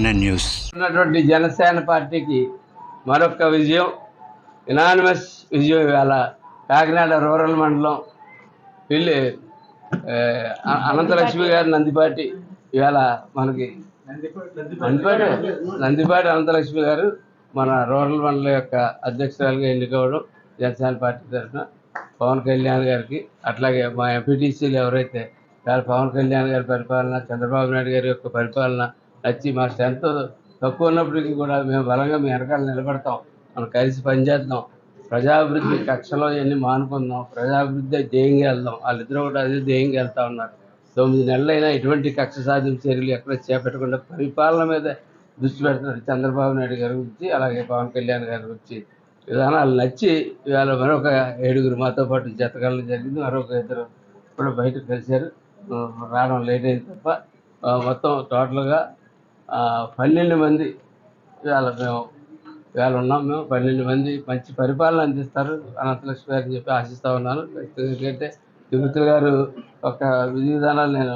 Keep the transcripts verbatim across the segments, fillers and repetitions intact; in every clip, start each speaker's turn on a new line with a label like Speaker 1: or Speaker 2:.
Speaker 1: NN news.
Speaker 2: ఉన్నటువంటి జనసేన పార్టీకి మరొక విజయం, ఇనానిమస్ విజయం. ఇవాళ కాకినాడ రూరల్ మండలం పిల్లి అనంతలక్ష్మి గారి నందిపాటి ఇవాళ మనకి నందిపాటి నందిపాటి అనంతలక్ష్మి గారు మన రూరల్ మండలం యొక్క అధ్యక్షురాలుగా ఎన్నికవడం జనసేన పార్టీ తరఫున పవన్ కళ్యాణ్ గారికి, అట్లాగే మా ఎంపీటీసీలు ఎవరైతే పవన్ కళ్యాణ్ గారి పరిపాలన, చంద్రబాబు నాయుడు గారి యొక్క పరిపాలన నచ్చి మా స్ట్రెంత్ తక్కువ ఉన్నప్పటికీ కూడా మేము బలంగా మీ వెనకాల నిలబడతాం, మనం కలిసి పనిచేద్దాం, ప్రజాభివృద్ధి కక్షలో ఇవన్నీ మానుకుందాం, ప్రజాభివృద్ధి ధ్యేయంగా వెళ్దాం. వాళ్ళిద్దరూ కూడా అదే ధ్యేయంగా వెళ్తా ఉన్నారు. తొమ్మిది నెలలైనా ఎటువంటి కక్ష సాధింపు చర్యలు ఎక్కడ చేపట్టకుండా పరిపాలన మీద దృష్టి పెడుతున్నారు చంద్రబాబు నాయుడు గారి గురించి, అలాగే పవన్ కళ్యాణ్ గారి గురించి విధానాలు నచ్చి ఇవాళ మరొక ఏడుగురు మాతో పాటు జతకాలం జరిగింది. మరొక ఇద్దరు ఇప్పుడు బయటకు కలిశారు, రావడం లేట్ అయింది తప్ప మొత్తం టోటల్గా పన్నెండు మంది ఇవాళ మేము ఇవాళ ఉన్నాం. మేము పన్నెండు మంది మంచి పరిపాలన అందిస్తారు అనంతలక్ష్మి గారు అని చెప్పి ఆశిస్తూ ఉన్నాను. ఎందుకంటే తిరుపతి గారు ఒక విధి విధానాలు నేను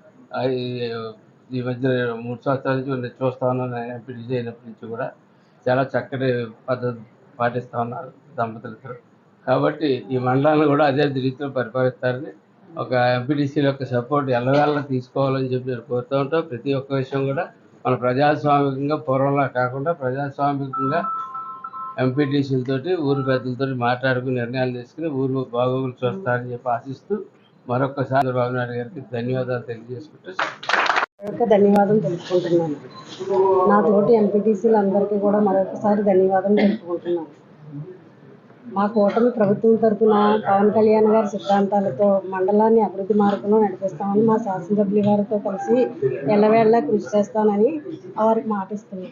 Speaker 2: ఈ మధ్య మూడు సంవత్సరాల నుంచి నేను చూస్తూ ఉన్నాను. ఎంపీటీసీ అయినప్పటి నుంచి కూడా చాలా చక్కటి పద్ధతి పాటిస్తూ ఉన్నారు దంపతులిద్దరు. కాబట్టి ఈ మండలాన్ని కూడా అదే రీతిలో పరిపాలిస్తారని, ఒక ఎంపీటీసీల యొక్క సపోర్ట్ ఎల్లవేళ తీసుకోవాలని చెప్పి నేను కోరుతూ ఉంటాం. ప్రతి ఒక్క విషయం కూడా మన ప్రజాస్వామికంగా పూర్వంలా కాకుండా ప్రజాస్వామికంగా ఎంపీటీసీలతోటి ఊరు పెద్దలతో మాట్లాడుకుని నిర్ణయాలు తీసుకుని ఊరు బాగోగులు చూస్తారని చెప్పి ఆశిస్తూ మరొకసారి చంద్రబాబు నాయుడు గారికి ధన్యవాదాలు తెలియజేసుకుంటూ
Speaker 3: ధన్యవాదం తెలుపుకుంటున్నాను. నా తోటి ఎంపీటీసీలు అందరికీ కూడా మరొకసారి ధన్యవాదం తెలుపుకుంటున్నాను. మా కూటమి ప్రభుత్వం తరఫున పవన్ కళ్యాణ్ గారి సిద్ధాంతాలతో మండలాన్ని అభివృద్ధి మార్గంలో నడిపిస్తామని మా శాసనసభ్యుల గారితో కలిసి ఎల్లవేళలా కృషి చేస్తానని వారికి మాటిస్తున్నాను.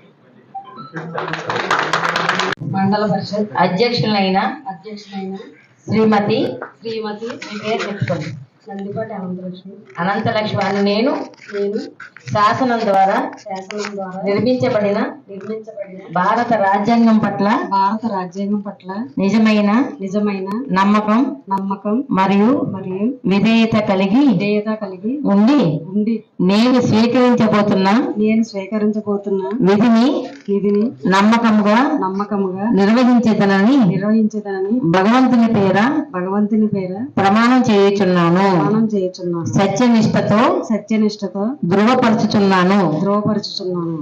Speaker 3: మండల పరిషత్ అధ్యక్షులైన అధ్యక్షులైన శ్రీమతి శ్రీమతి మీ పేరు చెప్పుకోండి. నందిపాటి అనంతలక్ష్మి అనంతలక్ష్మి అని నేను నేను శాసనం ద్వారా శాసనం ద్వారా నిర్మించబడిన నిర్మించబడిన భారత రాజ్యాంగం పట్ల భారత రాజ్యాంగం పట్ల నిజమైన నిజమైన నమ్మకం నమ్మకం మరియు మరియు విధేయత కలిగి విధేయత కలిగి ఉండి ఉండి నేను స్వీకరించబోతున్న నేను స్వీకరించబోతున్న విధిని విధిని నమ్మకముగా నమ్మకముగా నిర్వహించేదనని నిర్వహించేదనని భగవంతుని పేర భగవంతుని పేర ప్రమాణం చేయుచున్నాను ప్రమాణం చేయుచున్నాను సత్యనిష్టతో సత్యనిష్టతో ధృవపరచుచున్నాను ధృవపరచుచున్నాను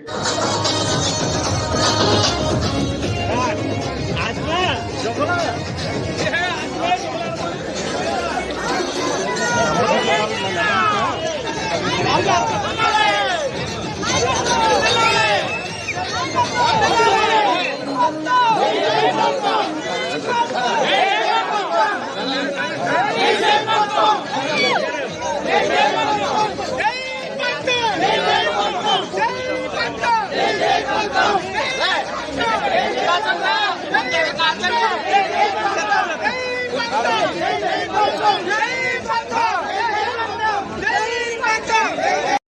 Speaker 4: आज